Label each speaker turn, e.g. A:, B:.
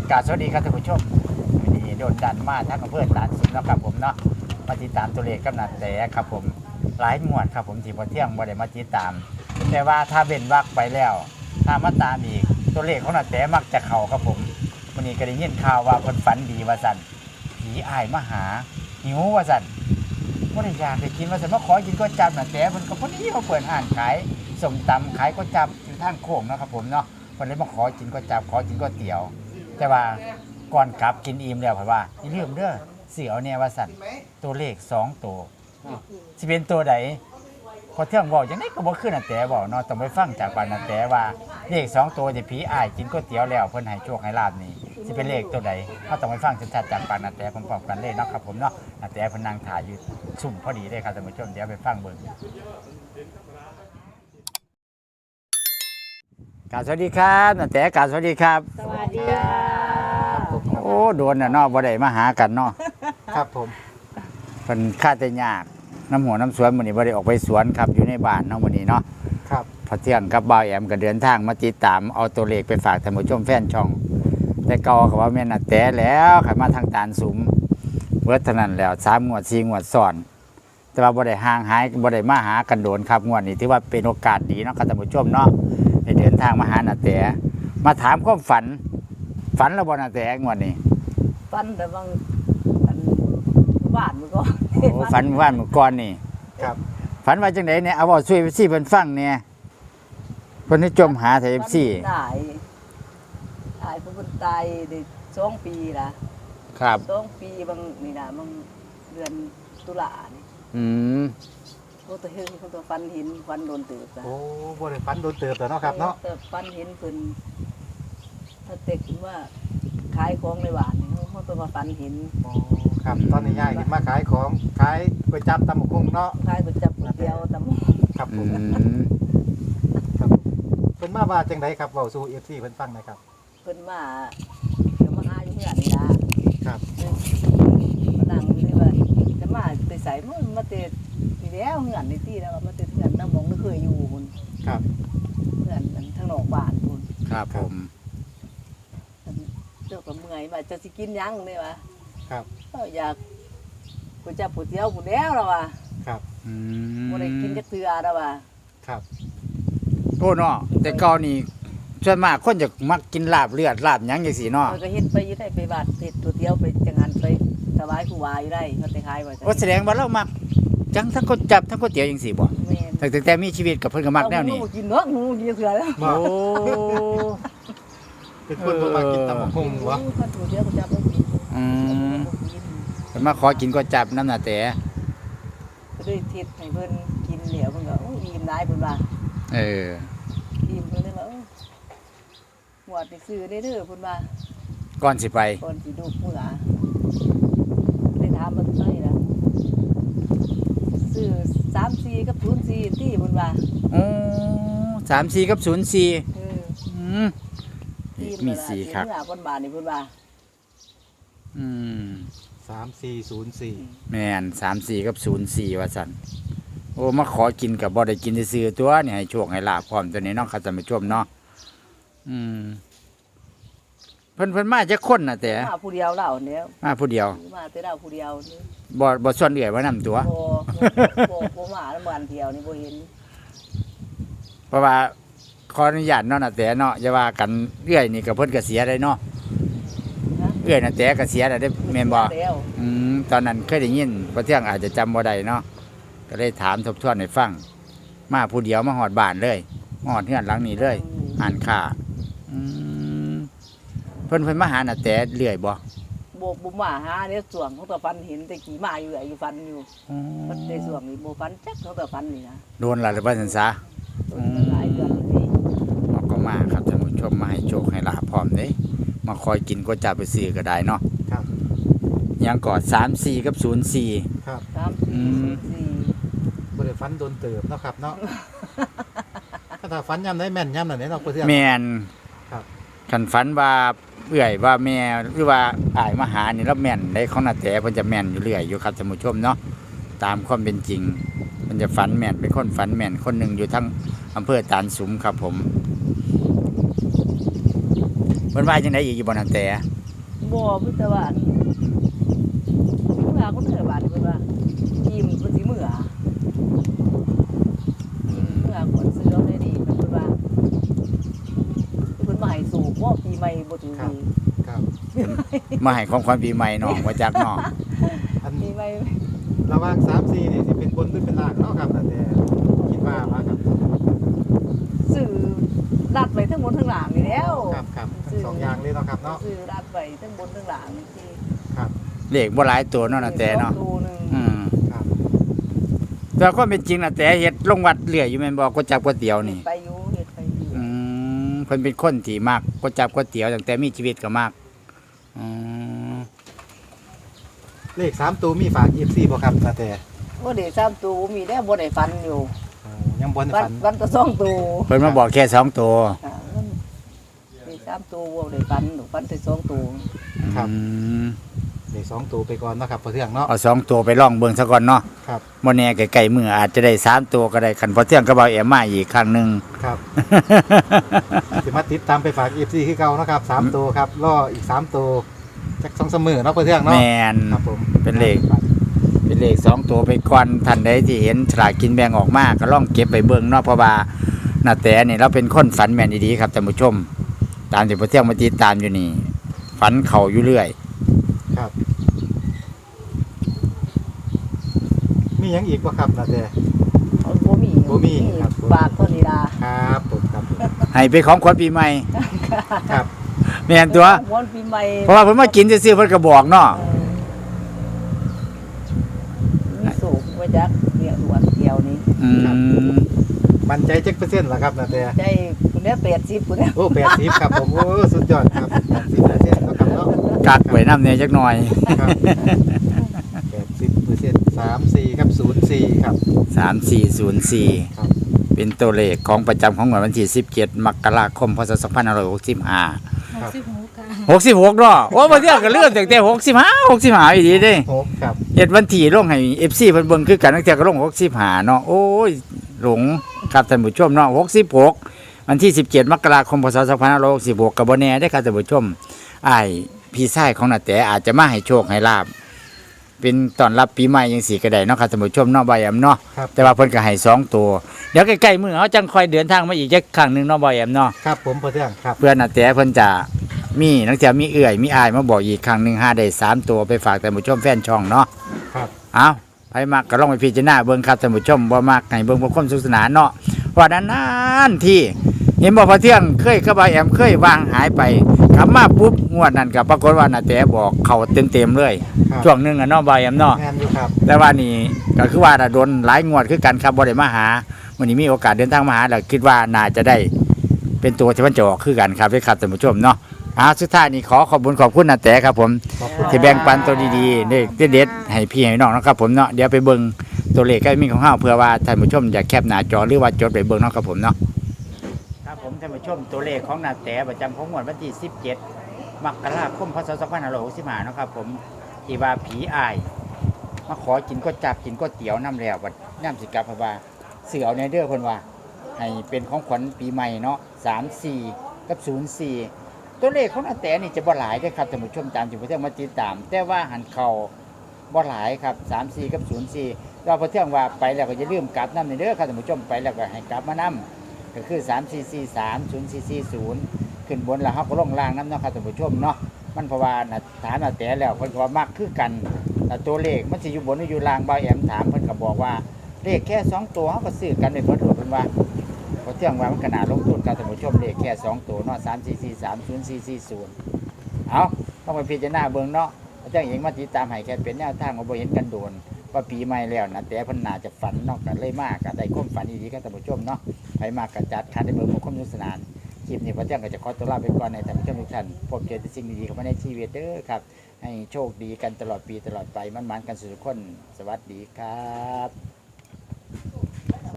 A: กราบสวัสดีครับท่านผู้ชมวันนี้โดนดันมาทั้งอำเภอตาดสินแล้วครับผมเนาะมาติดตามตัวเลขกับนาแต่ครับผมหลายงวดครับผมที่พอเที่ยงบ่ได้มาติดตามแต่ว่าถ้าเว้นวรรคไปแล้วถ้ามาตามอีกตัวเลขของนาแต่มักจะเข้าครับผมวันนี้ก็ได้ยินข่าวว่าคนฝันดีว่าสั่นผีอ้ายมาหาหิวว่าสั่นบ่ได้อยากได้กินว่าสั่นมาขอกินก๋วยจั๊บนาแต่เพิ่นก็พอดีมาเปิดร้านขายส้มตำขายก๋วยจั๊บอยู่ทางโค้งเนาะครับผมเนาะเพิ่นเลยมาขอกินก๋วยจั๊บขอกินก๋วยเตี๋ยวแต่ว่าก่อนกลับกินอิ่มแล้วเพิ่นว่าอย่าลืมเด้อสิเอาแน่ว่าสั่นตัวเลข2ตัวสิเป็นตัวใดพอเที่ยงเว้าจังได๋ก็บ่คือนาแต่เว้าเนาะต้องไปฟังจากปากนาแต่ว่าเลข2ตัวที่ผีอ้ายกินก๋วยเตี๋ยวแล้วเพิ่นให้โชคให้ลาภนี่สิเป็นเลขตัวใดเฮาต้องไปฟังชัดๆจากปากนาแต่พร้อมๆกันเลยเนาะครับผมเนาะนาแต่เพิ่นนั่งถ่ายอยู่ซุ่มพอดีเลยครับท่านผู้ชมเดี๋ยวไปฟังเบิ่งกราบสวัสดีครับนาแต่กราบสวัสดีครับ
B: สวัสดีค่ะ
A: โอ้โดนน่ะเนาะบ่ได้มาหากันเนาะ
C: ครับผม
A: เพิ่นค่าแต่ยากน้ำหัวน้ำสวนมื้อนี้บ่ได้ออกไปสวนครับอยู่ในบ้านเนาะมื้อนี้เนาะ
C: ครับ
A: พอเที่ยงกับบ่าวแอมก็เดินทางมาติดตามเอาตัวเลขไปฝากท่านผู้ชมแฟนช่องแต่เก่าก็ว่าแม่นน่ะแต่แล้วขันมาทางตาลสุมเบิดเท่านั้นแล้ว3งวด4งวดซ้อนแต่ว่าบ่ได้ห่างหายบ่ได้มาหากันโดนครับงวดนี้ถือว่าเป็นโอกาสดีเนาะครับท่านผู้ชมเนาะได้เดินทางมาหาน่ะแต่มาถามความฝันแล้วบ่น่ะแต่งวดนี้
B: ฟันแต่บางฟันบ้านมันก็
A: โอ้ฝันว่าเมื่อก่อนนี่
C: ครับ
A: ฝันว่าจังไดเนี่ยเอาเว้าช่วยซี่เพิ่นฟังเนี่ยเพิ่นให้จมหาไทย FC
B: ตายเพราะมันตายได้2 ปีละ
A: ครับ
B: 2 ปีบางนี่นะบางเดือนตุลานี่
A: อืม
B: โอ้ตัวเฮงเขาตัวฟันหินฟันโดนตืบละ
C: โอ้บริฟันโดนเติบแล้วเนาะครับเนาะ
B: แต่ฟันหินเพิ่นถ้าเต็กว่าขายของในบ้านนี่เขาตัวมาฟันหิน
C: โอ้ครับตอนนี้ย่ายขึ้นมาขายของขายก๋วยจั๊บตำบักหุ่งเนาะ
B: ขายก๋วยจั๊บก๋วยเตี๋ยวตำ
C: ครับผ
A: อื
C: ม
A: ม
C: ครับเพิ่นมาว่าจังไดครับเว้าสู่ FC เพิ่นฟังหนะครับ
B: เพิ่นมาเดี๋ยวมาหาอยู่เพื่อนนี่ละ
C: ครับ
B: มานั่งอยู่นี่ว่าจะมาไปใส่มันมาเตะทีแล้วเหือนในที่แล้วมาเตะเหือนน้ำมองไม่เคยอยู่คุณ
C: ครับ
B: เหือนมันทางนอกบ้านคุณ
A: ครับผม
B: เจ้าก็เมื่อยว่าจะสิกินหยังเนี่ยวะ
C: ครับ
B: อยากกูจะปูเตี้ยวกูแล้วแล้ววะ
C: ครับ
A: อืม
B: บ่ได้กินจักเทื่อแล้ววะ
C: ครับ
A: โอ้เนาะแต่เก่านี่ส่วนมากคนจะมักกินลาบเลือดลาบหยังจังซี่เนาะ
B: มันก็เฮ็ดไปอยู่ได้ไปบาดเฮ็ดตัวเตี้ยวไปจังหันไปถวายครูบาอยู่ได้เขาไปขายไว้
A: โอ้แสดงว่าเรามักจังทั้งก๋วยจั๊บทั้งก๋วยเตี๋ยวจังซี่บ่
B: แม่น
A: ตั้งแต่มีชีวิตกับเพิ่นก็มักแนวนี้
B: เอาหมูกินเนาะหมูกินเทื่อแล้ว
A: โอ้
C: เป็นคนบ่มากินตำบักหุ่งวะ
B: คันตัวเตี้ยวกูจะบ่กิน
A: อืม
B: บ่กิน
A: เพิ่นมาขอกินก๋วยจั๊บนำน่ะแต่
B: ก็เลยเทศให้เพิ่นกินเหลียวเพิ่นก็โอ้ยอิ่มหลายเพิ่นว่า
A: เออ
B: อิ่มเพิ่นเลยว่าเอ้ยหวดนี่ซื้อได้เด้อเพิ่นว่า
A: ก่อนสิไป
B: ก่อนสิดูมื้อหาได้ถามมันไสล่ะซื้อ34กับ04ที่เพิ่นว่า
A: โอ้34กับ04
B: เออ
A: อืม
B: ที่
A: มี
B: เพิ่นว่า
A: สี่ครับ
B: เมื่อวันบาทนี่เพิ่นว่า
A: อืม
C: 3404
A: แม่น34กับ04ว่าซั่นโอ้มาขอกินกับบ่ได้กินซื่อๆตัวนี่ให้โชคให้ลาภพร้อมตัวนี้เนาะครับท่านผู้ชมเนาะอืมเพิ่นมาจักคนน่ะแต่
B: มาผู้เดียวเล่าเนี่ย
A: มาผู้เดียว
B: มาแต่เราผู้เดียวนี่
A: บ่ส่วนเอื้อยว่านํตัว
B: บ่มาแล้วบ้านเดียวนี่บ่เห็น
A: เพราะว่าขออนุญาตเนาะน่ะแต่เนาะอย่าว่ากันเอื้อยนี่ก็เพิ่นก็เสียได้เนาะ
B: นะ
A: เอื้อยน่ะแต่ก็เสียได้แม่นบ่
B: แล้ว
A: ตอนนั้นเคยได้ยินบ่เที่ยงอาจจะจำบ่ได้เนาะก็เลยถามทบทวนให้ฟังมาผู้เดียวมาฮอดบ้านเลยมาฮอดเฮือนหลังนี้เลยอ่านข่าอืมเพิ่นมาหาน่ะแต่เรื่อยบ่
B: บ่มาหาเนี่ยส่วงของตัวฟันเห็นแต่กี่มาอยู่อยู่ฟันอยู่มันได้ส่วงนี่บ่ฟันจักของตัวฟันนี่นะ
A: โดนล่ะหรือว่าซั่นซะ
B: หลายเดือนนี่
A: เราก็มาครับท่านผู้ชมมาให้โชคให้ลาภพร้อมเด้มาคอยกินก๋วยจั๊บไปซื้อก็ได้เนาะ
C: ครับ
A: ยังก่อน34กับ04
C: ครับ
B: ครับ
A: อืม
C: บริฟันโดนเติบเนาะครับเนาะ ถ้าฟันย่ำได้แม่นย่ำนั่นเนี่ยเนาะเพื่อน
A: แม่น
C: ครับ
A: คันฝันว่าเอื่อยว่าแม่หรือว่าอ้ายมาหานี่แล้วแม่นได้ของนาแต่เพิ่นจะแม่นอยู่เรื่อยอยู่ครับท่านผู้ชมเนาะตามความเป็นจริงมันจะฝันแม่นเป็นคนฝันแม่นคนหนึ่งอยู่ทั้งอำเภอตาลสุมครับผมเพิ่นว่าจังได๋อีกอยู่บ่นาแต่
B: เบ่มีแต่ว่าเมื่อคนเถอะบาดเพิ่นว่ายิ้มเพิ่นสิเมื่อคนซื้อเอาได้ดีเพิ่นว่าเพิ่นมาให้สูบบ่ปีใหม่บ่ถือดี
C: ครับ
A: มาให้ของขวัญปีใหม่น้องว่าจากน้อง
C: อัน
B: ปีใหม่
C: ระหว่าง3 4นี่สิเป็นบนหรือเป็นล่างเนาะครับแต่คิดว่ามาครับ
B: ซื้อรัดไว้ทั้งบนทั้งหลังนี่แล้ว
C: ครับทั้งสองอย่างเลยเนาะครับเนาะ
B: ซื้อรัดไว้ทั้งบนทั้งหลังนี่สิ
C: ครับ
A: เลขบ่หลายตัวเนาะนะแต่เนาะ
B: ตัวหนึง
A: อืม
C: ครับ
A: แต่ก็เป็นจริงนะแต่เฮ็ดลงวัดเรื่อยอยู่แม่นบ่ก๋วยจั๊บก๋วยเตี๋ยวนี่
B: ไปอยู่เฮ็ดไปอยู่
A: อืมเพิ่นเป็นคนที่มักก๋วยจั๊บก๋วยเตี๋ยวตั้งแต่มีชีวิตก็มักอืม
C: เลข3ตัวมีฝาก FC บ่ครับแต่
B: บ่ได้3ตัวมีแล้วบ่ได้ฟันอยู่
C: ยังบ่ได้
B: ฟัน
C: ฝัน
B: ฟันก็2ตัว
A: เพิ่นมาบอกแค่2ตัว
B: อ่ามี3ตัวบ่ได้ฟันหนูฟันได้2ตัว
C: ครับ
A: อืม
C: เลข2ตัวไปก่อนเนาะครับพอเทื่องเนาะ
A: เอา2ตัวไปลองเบิ่งซะก่อนเนาะ
C: ครับ
A: บ่แน่ไกลๆมื้ออาจจะได้3ตัวก็ได้คันพอเที่ยงก็เบาแอมมาอีกครั้งหนึง
C: ครับ สิมาติดตามไปฝาก FC คือเก่าเนาะครับ3ตัวครับรออีก3ตัวจัก2-3มื้อเนาะพอเทื่องเนาะ
A: แม่น
C: ครับผม
A: เป็นเลข เป็นเลข2ตัวไปก่อนท่านใดที่เห็นฉลากกินแบ่งออกมาก็ลองเก็บไปเบิ่งเนาะเพราะว่านาแต่นี่เราเป็นคนฝันแม่นดีๆครับท่านผู้ชม ตามที่พอเที่ยงมาติดตามอยู่นี่ฝันเข้าอยู่เรื่อย
C: ครับ มีหยังอีกบ่ครับนาแต่
B: เอาบ่มี
C: บ่มีครับ
B: ฝากเท่านี้ล่ะ
C: ครับผมครับผม
A: ให้ไปของขวัญปีใหม่
C: ครับ
A: แม่นตัว
B: วันปีใหม่
A: เพราะว่าเพิ่นมากินซื่อๆเพิ่นก็บอกเนาะ
B: มีสูงไว้จักเดียวด่วนเดียวนี้
A: อืม
C: มั่นใจจักเปอร์เซ็นต์ล่ะครับนาแต่
B: ใจคุณเนี่ย80คุณเนี่ย
C: โอ้80ครับผมโอ้สุดยอดครับ80%เนาะครับเนาะ
A: กักไว้นำแน่จักหน่อย
C: ครับ80% 34ครับ04ครับ
A: 3404
C: ครับ
A: เป็นตัวเลขของประจำของวันที่17มกราคมพศ2565 66เนาะโอ้บ่เที่ยงก็เลื่อนตั้งแต่65อีดีเด้
C: 6ครับ
A: เฮ็ดวันที่ลงให้ FC เพิ่นเบิ่งคือกันตั้งแต่ก็ลง65เนาะโอ้ยหลงครับท่านผู้ชมเนาะ66วันที่17มกราคมพศ2566ก็บ่แน่เด้อครับท่านผู้ชมอ้ายพี่ชายของนาแต่อาจจะมาให้โชคให้ลาบเป็นต้อนรับปีใหม่จังซี่ก็ได้เนาะครับท่านผู้ชมเนาะบ่ายแอมเนาะ
C: ครับ
A: แต่ว่าเพิ่นก็ให้2ตัวเดี๋ยวใกล้ๆมื้อเฮาจังค่อยเดินทางมาอีกจักครั้งหนึงเนาะบ่ายแอมเนาะ
C: ครับผมพอเทื่องครับ
A: เพื่อนนาแต่เพิ่นจะมีนักเที่ยวมีเอื่อยมีอายมาบอกอีกครั้งหนึง5ได้3ตัวไปฝากท่านผู้ชมแฟนช่องเนาะ
C: ครับ
A: เอาไปมักก็ลองไปพิจารณาเบิ่งครับท่านผู้ชมบ่มักให้เบิ่งบ่ความสุขสนานเนาะว่านั้นที่เห็นบ่พอเที่ยงเคยกับบ่าวแอมเคยวางหายไปกลับมาปุ๊บงวดนั้นก็ปรากฏว่านาแต่บอกเข้าเต็มๆเลย
C: ครับ
A: ช่วงหนึงอะเนาะบ่าวแอมเนาะ
C: แม่นอยู่ครับ
A: แต่ว่านี่ก็คือว่าโดนหลายงวดคือกันครับบ่ได้มาหามื้อนี้มีโอกาสเดินทางมาหาแล้วคิดว่าน่าจะได้เป็นตัวที่มันจะออกคือกันครับด้วยครับท่านผู้ชมเนาะสุดท้ายนี้ขอบคุณนาแต่ครับผม
C: ขอบคุณ
A: ที่แบ่งปันตัวดีๆเด็ดๆให้พี่ให้น้องนะครับผมเนาะเดี๋ยวไปเบิ่งตัวเลขก็มีของเฮาเพื่อว่าท่านผู้ชมอยากแคปหน้าจอหรือว่าจดไปเบิ่งเนาะครับผมเนาะครับผมท่านผู้ชมตัวเลขของนาแต่ประจำของงวดวันที่17มกราคมพศ2565เนาะครับผมที่ว่าผีอายมาขอกินก๋วยจั๊บกินก๋วยเตี๋ยวน้ำแล้วบัดย่ำสิกลับเพราะว่าเสือเอาในเด้อเพิ่นว่าให้เป็นของขวัญปีใหม่เนาะ34กับ04ตัวเลขของนาแต่นี่จะบ่หลายเด้อครับท่านผู้ชมตามที่ผู้เที่ยงมาติดตาม แต่ว่าหันเข้าบ่หลายครับ34กับ04เราผู้เที่ยงว่าไปแล้วก็อย่าลืมกลับนำเด้อครับท่านผู้ชมไปแล้วก็ให้กลับมานำก็คือ3443 0440ขึ้นบนแล้วเฮาก็ลงล่างนำเนาะครับท่านผู้ชมเนาะมันเพราะว่าถามนาแต่แล้วเพิ่นก็ว่ามักคือกันแต่ตัวเลขมันสิอยู่บนหรืออยู่ล่างบ่าวแอมถามเพิ่นก็บอกว่าเลขแค่2ตัวเฮาก็ซื้อกันได้เพิ่นเพิ่นว่า พอเที่ยงว่ามันขนาดลงทุนการท่านผู้ชมเลขแค่2ตัวเนาะ34430440เอาต้องไปพิจารณาเบิ่งเนาะพอเที่ยงเองมาติดตามให้แค่เป็นแนวทางว่าบ่เห็นกันโดนว่าปีใหม่แล้วนะแต่เพิ่นน่าจะฝันเนาะก็เลยมากก็ได้ความฝันดีๆกับท่านผู้ชมเนาะไปมากก็จัดคันได้เบิ่งความสนุกสนานคลิปนี้พอเที่ยงก็จะขอตัวลาไปก่อนในท่านผู้ชมทุกท่านพบเจอแต่สิ่งดีๆเข้ามาในชีวิตเด้อครับให้โชคดีกันตลอดปีตลอดไปมันๆกันสุขคนสวัสดีครับ